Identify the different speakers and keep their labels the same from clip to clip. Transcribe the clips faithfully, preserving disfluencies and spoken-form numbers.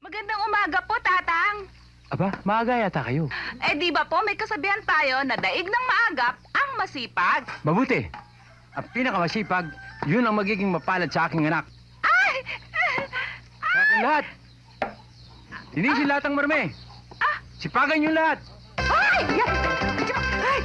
Speaker 1: Magandang umaga po, Tatang.
Speaker 2: Aba, maaga yata kayo.
Speaker 1: Eh, di ba po may kasabihan tayo na daig ng maagap ang masipag?
Speaker 2: Mabuti. Ang pinakamasipag, yun ang magiging mapalad sa aking anak.
Speaker 1: Ay!
Speaker 2: Sa aking lahat. Linisin lahat ang marme.
Speaker 1: Ah!
Speaker 2: Sipagan yung lahat.
Speaker 1: Ay! Yan! Ay!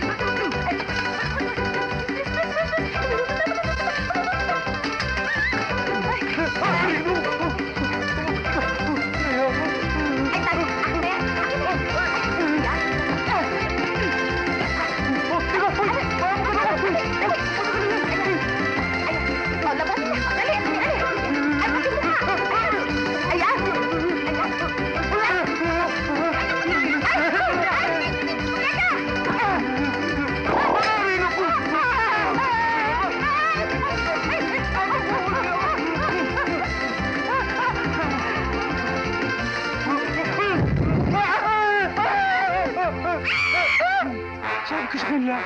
Speaker 2: Sabi ko sa kanila,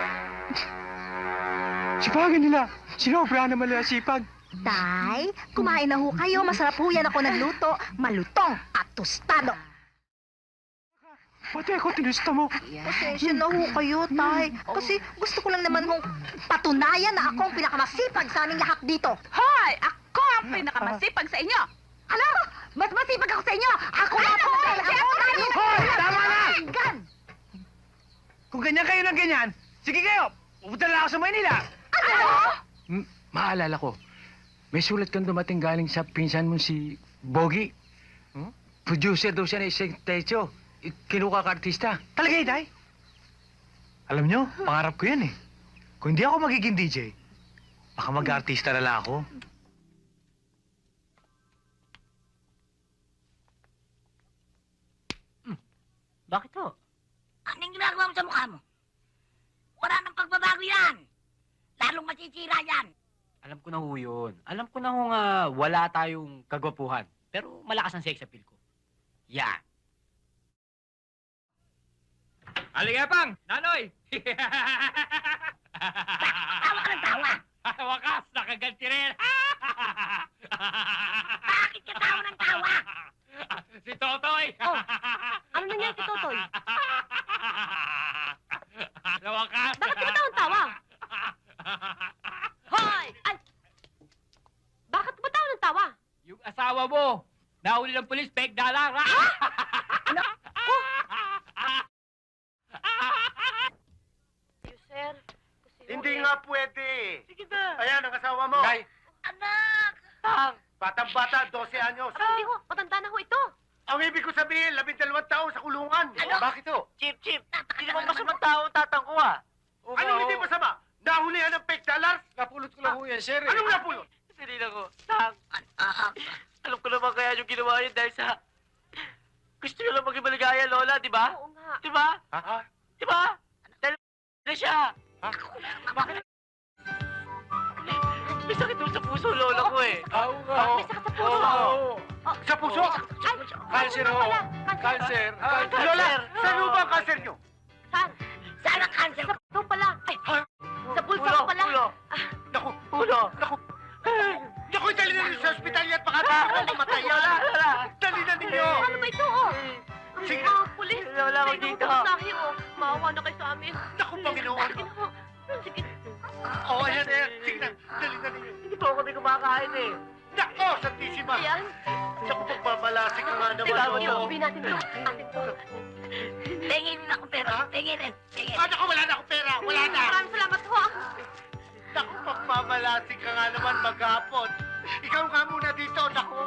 Speaker 2: sipagan nila. Sinobra naman nila sipag.
Speaker 3: Tay, kumain na ho kayo. Masarap ho yan ako nagluto. Malutong at tostado.
Speaker 2: Pati ako tinusta mo.
Speaker 3: Pasensya na ho kayo, Tay. Kasi gusto ko lang naman hong patunayan na ako ang pinakamasipag sa aming lahat dito.
Speaker 1: Hoy! Ako ang pinakamasipag sa inyo!
Speaker 3: Ano? Mas masipag ako sa inyo! Ako nga po!
Speaker 1: Ano?
Speaker 3: Tay! Ako nga po!
Speaker 2: Hoy! Tama na!
Speaker 3: Gan!
Speaker 2: Kung ganyan kayo ng ganyan, sige kayo, pupunta na ako sa Maynila.
Speaker 1: Ano?
Speaker 2: Hmm, maalala ko, may sulat kang dumating galing sa pinsan mo si Bogie. Hmm? Producer daw siya ng isang techo. Kinuha ka artista.
Speaker 4: Talaga, Iday? Alam nyo, pangarap ko yan eh. Kung hindi ako magiging D J, baka mag-artista na lang ako.
Speaker 5: Bakit ho? Anong ginagawa mo sa mukha mo? Wala nang pagbabago yan. Lalong masisira yan.
Speaker 6: Alam ko na ho yun. Alam ko na ho nga wala tayong kagwapuhan. Pero malakas ang sex appeal ko. Yan. Halika pang! Nanoy!
Speaker 5: Tawa ka ng tawa.
Speaker 6: Wakas! Nakaganti rin!
Speaker 5: Bakit ka tawa ng tawa?
Speaker 6: Si Totoy!
Speaker 5: Oh, ano nangyari si Totoy?
Speaker 6: Sa wakas!
Speaker 5: Bakit ka tawang tawa? Hoy! Ay! Bakit ba tawa ng tawa?
Speaker 6: Yung asawa mo, nahuli ng polis, peg dalang!
Speaker 5: Ano? Oh! Sir, kasi...
Speaker 4: Hindi nga pwede.
Speaker 5: Sige na.
Speaker 4: Ayan ang asawa mo.
Speaker 2: Day.
Speaker 5: Anak!
Speaker 6: Tang!
Speaker 4: Batang-bata, dose anyos.
Speaker 5: Hindi ho, matanda na ho ito.
Speaker 4: Ang ibig ko sabihin, labing dalawang taon sa kulungan.
Speaker 5: Ano?
Speaker 4: Bakit to?
Speaker 5: Chip, chip. Hindi naman masamang tao tatang ko ah.
Speaker 4: Anong hindi masama? Nahulihan ng fake dollars?
Speaker 2: Napulot ko lang ho yan, sir. eh.
Speaker 4: Anong napulot?
Speaker 5: Sinila ko. Tang. Alam ko naman kaya yung ginawa yun dahil sa... Gusto nyo lang maging maligaya, Lola, di ba? Oo nga. Di ba?
Speaker 4: Ha?
Speaker 5: Di ba? Dahil na siya.
Speaker 4: Ha?
Speaker 5: Bakit? May sakit doon sa puso, Lola ko eh.
Speaker 2: Oo nga.
Speaker 5: May sakit sa puso.
Speaker 4: Oo. Sa puso?
Speaker 2: Cancer ho. Cancer.
Speaker 5: Ah,
Speaker 2: Cancer.
Speaker 4: Lola,
Speaker 5: cancer.
Speaker 4: saan mo ba ang cancer nyo?
Speaker 5: Saan? Saan ang cancer? Sa puso pala. Ay, sa pulso
Speaker 4: Ulo,
Speaker 5: pala.
Speaker 4: ulo. Naku,
Speaker 5: Ulo.
Speaker 4: naku. Naku, dali na ninyo sa ospital yan. Baka nakakang mamatay yan.
Speaker 5: Lola, Lola.
Speaker 4: Dali na ninyo.
Speaker 5: Ano ba ito, oh?
Speaker 4: Sige.
Speaker 5: Ah, pulis.
Speaker 6: Lola,
Speaker 5: May
Speaker 6: wag dito.
Speaker 5: nangutasahe, oh. Maawa na kayo sa amin.
Speaker 4: Naku, Panginoon.
Speaker 5: Sige na ho. Sige.
Speaker 4: Oo, ayan, ayan. Sige na, dali na ninyo.
Speaker 5: Hindi po ako may kumakain eh.
Speaker 4: Nako, Santissima.
Speaker 5: Ayan.
Speaker 4: Naku, pagmamalasik ka nga naman.
Speaker 5: Tingnan mo,
Speaker 4: oo.
Speaker 5: ibigay natin to. Atin to. Tingin na ako pera.
Speaker 4: Ha?
Speaker 5: Tingin, tingin.
Speaker 4: Ah, naku, wala na akong pera. Wala na.
Speaker 5: Maraming salamat ho.
Speaker 4: Naku, pagmamalasik ka nga naman maghapon. Ikaw nga muna dito, naku.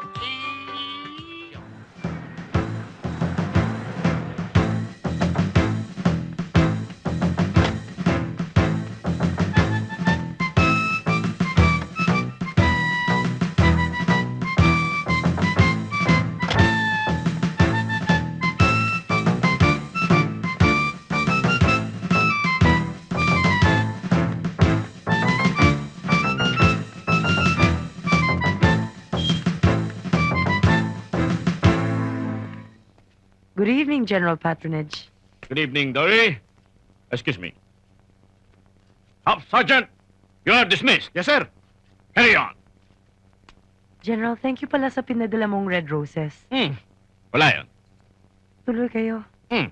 Speaker 7: Good evening, General Patronage.
Speaker 8: Good evening, Dory. Excuse me. Up, Sergeant! You are dismissed. Yes, sir. Carry on.
Speaker 7: General, thank you pala sa pinadala mong red roses.
Speaker 8: Hmm. Wala yun.
Speaker 7: Tuloy kayo.
Speaker 8: Hmm.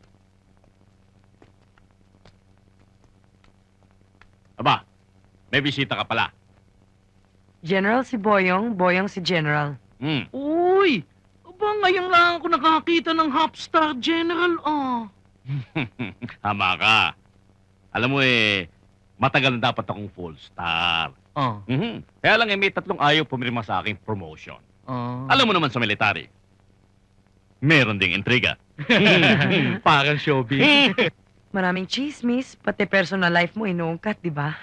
Speaker 8: Aba, may bisita ka pala.
Speaker 7: General si Boyong, Boyong si General.
Speaker 8: Hmm.
Speaker 5: Uy! Aba, ngayon lang ako nakakita ng Hopstar General, ah.
Speaker 8: Tama ka. Alam mo eh, matagal na dapat akong full star.
Speaker 5: Ah.
Speaker 8: Mhm. Kaya lang eh, may tatlong ayaw pumirma sa aking promotion.
Speaker 5: Ah.
Speaker 8: Alam mo naman sa military, meron ding intriga.
Speaker 5: Parang showbiz.
Speaker 7: Maraming chismis, pati personal life mo inuungkat, di ba?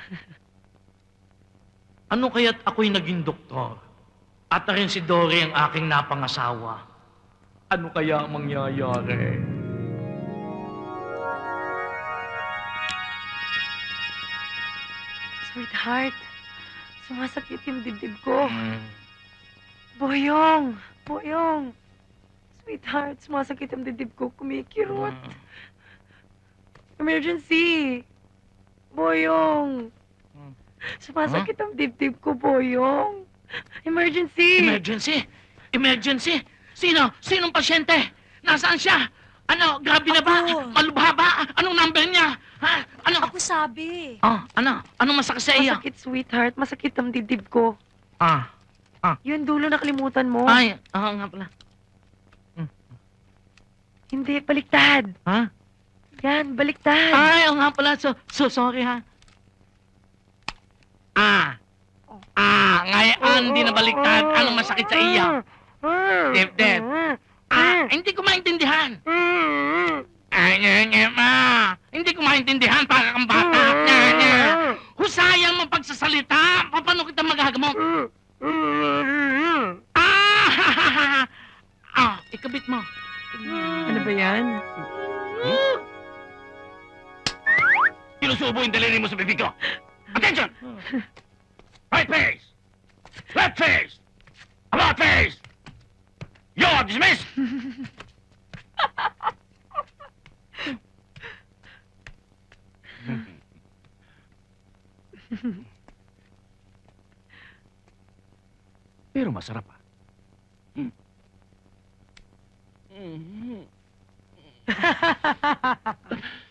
Speaker 5: Ano kaya't ako'y naging doktor? At na rin si Dory ang aking napangasawa. Ano kaya ang mangyayari?
Speaker 7: Sweetheart, sumasakit yung dibdib ko. Boyong, Boyong. Sweetheart, sumasakit yung dibdib ko. Kumikirot. Emergency! Boyong! Sumasakit ang dibdib ko, Boyong. Emergency!
Speaker 5: Emergency? Emergency? Sino? Sinong pasyente? Nasaan siya? Ano, grabe na ba?
Speaker 3: Ako.
Speaker 5: Malubha ba? Anong number niya? Ha? Ano?
Speaker 3: Ako sabi.
Speaker 5: Oh, ano? Anong masakit sa iyo?
Speaker 7: Masakit, sweetheart. Masakit ang dibdib ko.
Speaker 5: Ah.
Speaker 7: Yun, dulo nakalimutan mo.
Speaker 5: Ay, oo nga pala.
Speaker 7: Hindi, baliktad.
Speaker 5: Ha?
Speaker 7: Yan, baliktad.
Speaker 5: Ay, oo nga pala. So, so sorry ha. Ah. Ah, ngayon, hindi na baliktad. Anong masakit sa iyo? Dibdib. Ah, hindi ko maintindihan. Ay, nye, nye, ma. Hindi ko maintindihan para kang bata. Nye, nye. Husayang mo pagsasalita. Paano kita magagamot? Ah! Ah, ikabit mo.
Speaker 7: Ano ba yan?
Speaker 8: Sinusubo yung daliri mo sa bibig ko. Attention! Right face! Left face! About face! You're dismissed! Pero masarap ah. Hmm.